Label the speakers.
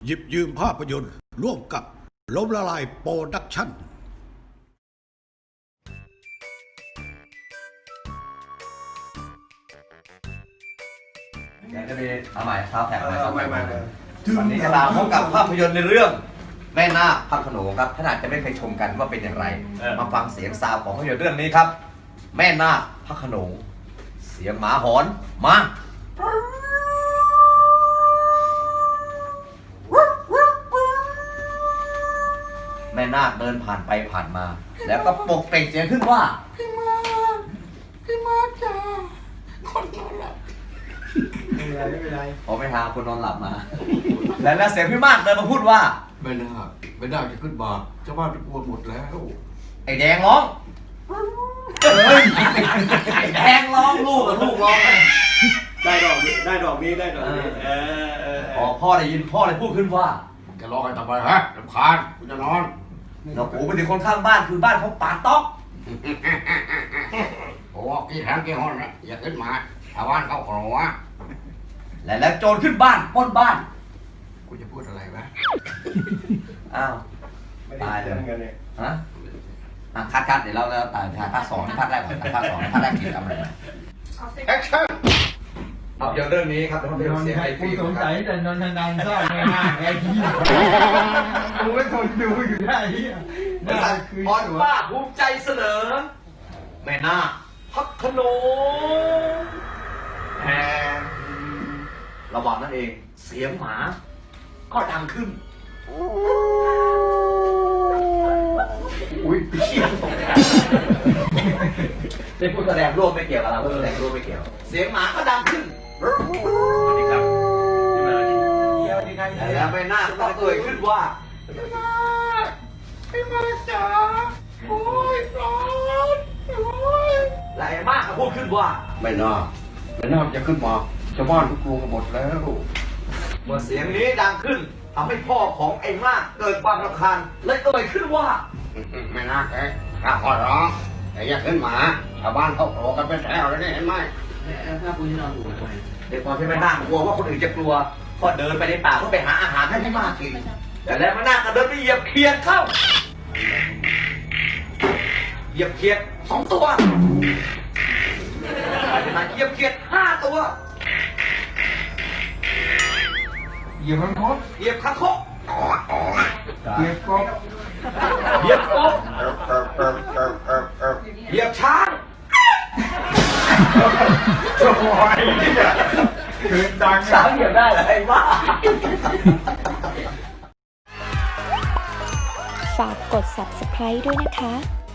Speaker 1: หยิบยืมภาพยนตร์ร่วมกับล้มละลายโปรดักชั่น
Speaker 2: เดี๋ยวจะมีเอาใหม่ซาวด์แท็กใหม่ซาวด์แท็กใหม่
Speaker 1: ไม่
Speaker 2: วันนี้จะมาพบกับภาพยนตร์ในเรื่องแม่นาคพระโขนงครับท่านอาจจะไม่เคยชมกันว่าเป็นอย่างไรมาฟังเสียงซาวด์ของภาพยนตร์เรื่องนี้ครับ แม่นาคพระโขนงเสียงหมาหอนมาแม่นาคเดินผ่านไปผ่านมา แล้วก็ปลุกเปล่งเสียงขึ้นว่า
Speaker 3: พี่มาจ้าคนนอนหลับไม่เป็นไร
Speaker 2: พอไปหาคนนอนหลับมา แล้วเสียงพี่มากเดินมาพูดว่า
Speaker 3: ไม่น่าจะขึ้นมาเจ้าบ้านทุกคนหมดแล้ว
Speaker 2: ไอ้แดงร้องเฮ้ยไอ้แดงร้องลูกร้อง
Speaker 4: ได้ดอกนี้
Speaker 2: พอพ่อได้ยินพ่อเลยพูดขึ้นว่า
Speaker 3: แกร้องกันทำไมฮะรำคาญกูจะนอน
Speaker 2: เราปู่ไปถึงคนข้างบ้านคือบ้านเขาป่าต๊อก
Speaker 3: โอ้กี่แถมกี่ห้องนะอย่าขึ้นมาชาวบ้านเขาขอวะ
Speaker 2: แล้วโจรขึ้นบ้านปล้นบ้าน
Speaker 3: กูจะพูดอะไรวะ
Speaker 2: อ้าวตายเลยฮะคัดเดี๋ยวเราตายภาค 2ภาคแรกก่อนภาค 2ภาคแรกกินทำอะไรแอคชั่นเอาเรื่องนี้ครับเป็นเรื่องเสียงไอ้ฟิล์ม
Speaker 5: สงสัยแต่นนทนันชอบไม่น่าไอ้ที่กูไม่ทนดูอยู่ได้ที่
Speaker 2: บริษัทพรป้าภูมิใจเสนอแม่นาคพระโขนงแฮมระหว่างนั้นเองเสียงหมาก็ดังขึ้นอุ้ยเชี่ยเป็นผู้แสดงร่วมไม่เกี่ยวกับเราผู้แสดงร่วมไม่เกี่ยวเสียงหมาก็ดังขึ้นแล้วแม่นาคก็เอ่ยขึ้นว่าพี่มาจ๋าโอ้ยร้อนโอ้ยและไอ้มากก็พูดขึ้นว่า
Speaker 3: ไม่น่าจะขึ้นมาชาวบ้านทุกคนหมดแล้ว
Speaker 2: เมื่อเสียงนี้ดังขึ้นทำให้พ่อของไอ้มากเกิดความรำคาญเลยเอ่ยขึ้นว่า
Speaker 3: ไม่น่าแกข้าขอร้องแต่อย่าขึ้นมาชาวบ้านเขาขอกันเป็นแถวแล้วนี่เห็นไหม
Speaker 2: เด็กพอที่แม่นาคกลัวว่าคนอื่นจะกลัวก็เดินไปในป่าเพื่อไปหาอาหารให้พี่มากกินแต่แล้วแม่นาคก็เดินไปเหยียบเขียดเข้าเหยียบเขียด2 ตัวมาเหยียบเขียด5 ตัว
Speaker 5: เหยียบมันคด
Speaker 2: เหยียบคางคก
Speaker 5: เหยียบกบ
Speaker 2: เหยียบกบเหยียบช้าง
Speaker 5: โอ้ยเกินดัง
Speaker 2: ช้างเหยียบได้เหรอไอ้บ้า
Speaker 6: ฝากกด subscribe ด้วยนะคะ